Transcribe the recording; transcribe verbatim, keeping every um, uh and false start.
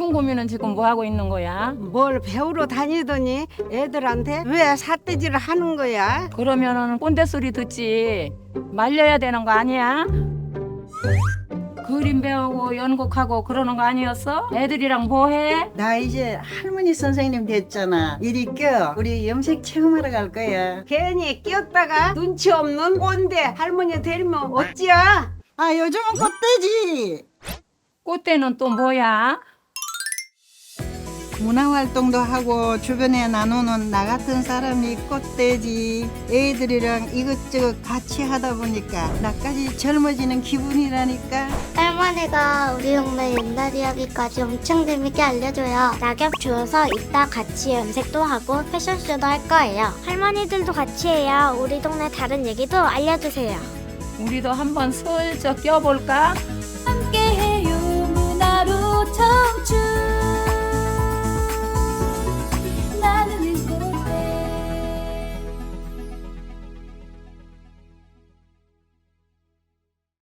콩고미는 지금 뭐 하고 있는 거야? 뭘 배우러 다니더니 애들한테 왜 삿대질을 하는 거야? 그러면은 꼰대 소리 듣지. 말려야 되는 거 아니야? 그림 배우고 연극하고 그러는 거 아니었어? 애들이랑 뭐 해? 나 이제 할머니 선생님 됐잖아. 이리 껴. 우리 염색 체험하러 갈 거야. 괜히 끼었다가 눈치 없는 꼰대 할머니 데리면 어찌야? 아, 요즘은 꽃돼지. 꽃대는 또 뭐야? 문화활동도 하고 주변에 나누는 나 같은 사람이 꽃돼지. 애들이랑 이것저것 같이 하다 보니까 나까지 젊어지는 기분이라니까. 할머니가 우리 동네 옛날 이야기까지 엄청 재밌게 알려줘요. 낙엽 주워서 이따 같이 염색도 하고 패션쇼도 할 거예요. 할머니들도 같이 해요. 우리 동네 다른 얘기도 알려주세요. 우리도 한번 슬쩍 껴볼까?